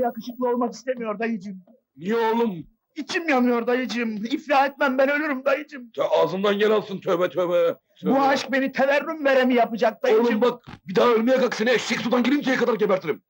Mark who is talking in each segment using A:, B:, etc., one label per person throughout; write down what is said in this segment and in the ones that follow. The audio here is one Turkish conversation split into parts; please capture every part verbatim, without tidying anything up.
A: yakışıklı olmak istemiyor dayıcığım.
B: Niye oğlum?
A: İçim yanıyor dayıcığım. İflah etmem, ben ölürüm dayıcığım.
B: Ya ağzından gel alsın, tövbe tövbe.
A: Bu
B: Tövbe.
A: aşk beni teverrüm veremi yapacak dayıcığım.
B: Oğlum bak, bir daha ölmeye kalk, seni eşek sudan girinceye kadar gebertirim.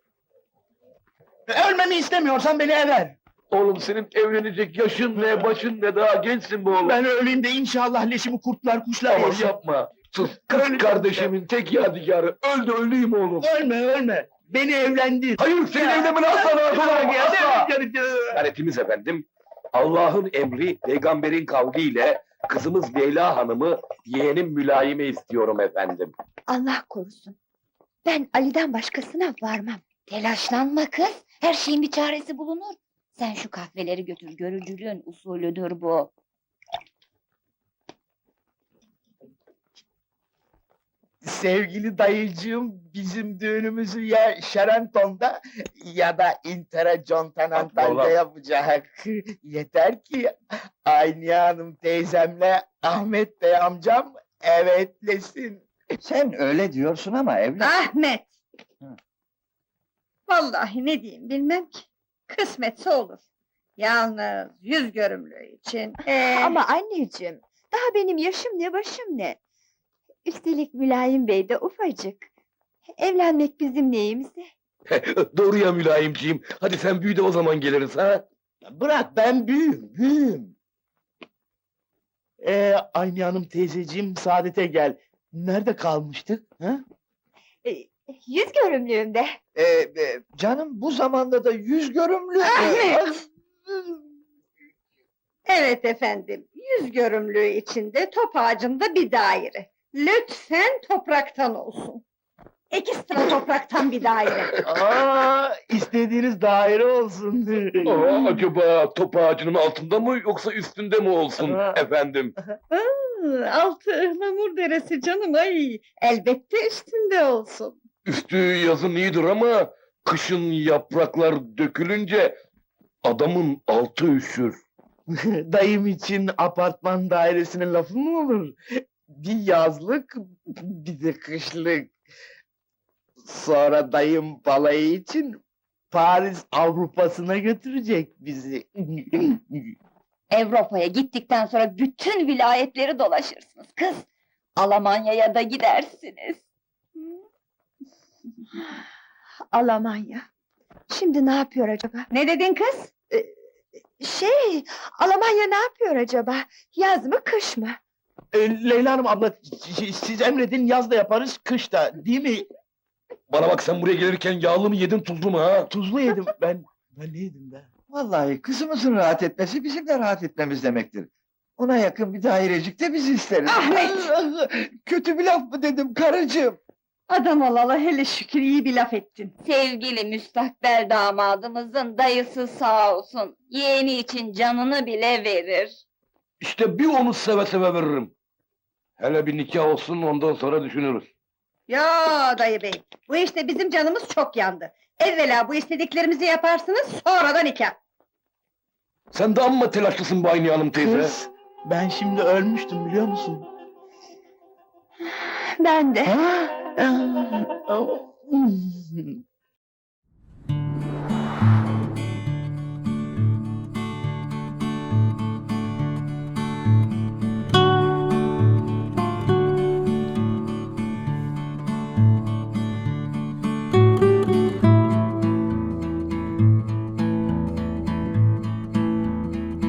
A: Ölmemi istemiyorsan beni ever.
B: Oğlum senin evlenecek yaşın ne, başın ne, daha gençsin bu oğlum.
A: Ben öleyim de inşallah leşimi kurtlar kuşlar
B: Aman
A: yesin.
B: yapma. Sus, kız kardeşimin tek yadigarı. Öl de öleyim oğlum.
A: Ölme ölme. Beni evlendir.
B: Hayır, senin evlenmeni asla razı olamam, asla.
A: asla.
B: Garetimiz efendim, Allah'ın emri, peygamberin kavliyle kızımız Leyla Hanım'ı yeğenim Mülayim'e istiyorum efendim.
C: Allah korusun. Ben Ali'den başkasına varmam. Telaşlanma kız. Her şeyin bir çaresi bulunur. Sen şu kahveleri götür. Görücülüğün usulüdür bu.
A: Sevgili dayıcığım, bizim düğünümüzü ya Şerenton'da ya da Intercontinental'de
B: Vallahi.
A: yapacak. Yeter ki Ayniye Hanım teyzemle Ahmet Bey amcam evetlesin.
D: Sen öyle diyorsun ama evlat.
E: Ahmet!
D: Hı.
E: Vallahi ne diyeyim bilmem ki. Kısmetse olur. Yalnız yüz görümlüğü için. ee,
C: Ama anneciğim, daha benim yaşım ne başım ne? Üstelik Mülayim Bey de ufacık. Evlenmek bizim neyimize?
B: Doğru ya Mülayimciğim, hadi sen büyü de o zaman geliriz ha.
A: Bırak, ben büyüğüm, büyüğüm. Ee, Ayniye Hanım teyzeciğim, Saadet'e gel. Nerede kalmıştık? Ha?
C: Ee, yüz görümlüğümde.
D: Ee, e, canım bu zamanda da yüz görümlü.
E: Ahmet! Evet efendim, yüz görümlüğü içinde top ağacında bir daire. Lütfen topraktan olsun. Ekstra topraktan bir daire.
A: Aa, istediğiniz daire olsun.
B: Aa, acaba top ağacının altında mı yoksa üstünde mi olsun
A: Aa.
B: efendim?
E: Hı, altı ıhlamur deresi canım ay. Elbette üstünde olsun.
B: Üstü yazın iyidir ama kışın yapraklar dökülünce adamın altı üşür.
A: Dayım için apartman dairesinin lafı mı olur? Bir yazlık, bir de kışlık. Sonra dayım balayı için Paris Avrupa'sına götürecek bizi.
C: Avrupa'ya gittikten sonra bütün vilayetleri dolaşırsınız kız. Almanya'ya da gidersiniz. Almanya. Şimdi ne yapıyor acaba?
E: Ne dedin kız?
C: Şey, Almanya ne yapıyor acaba? Yaz mı kış mı?
A: Ee, Leyla Hanım abla, s- siz emredin, yaz da yaparız, kış da, değil mi?
B: Bana bak, sen buraya gelirken yağlı mı yedin, tuzlu mu ha?
A: Tuzlu yedim ben. Ben ne yedim ben?
D: Vallahi kızımızın rahat etmesi bizim de rahat etmemiz demektir. Ona yakın bir dairecik de biz isteriz.
E: Ahmet!
D: Kötü bir laf mı dedim karıcığım?
E: Adam olalı hele şükür iyi bir laf ettin.
C: Sevgili müstakbel damadımızın dayısı sağ olsun. Yeğeni için canını bile verir.
B: İşte bir onu seve seve veririm. Hele bir nikah olsun, ondan sonra düşünürüz.
E: Ya dayı bey, bu işte bizim canımız çok yandı. Evvela bu istediklerimizi yaparsınız, sonra da nikah.
B: Sen de amma telaşlısın bu Ayniye Hanım teyze.
A: Kız, ben şimdi ölmüştüm biliyor musun?
C: Ben de.
A: Ha?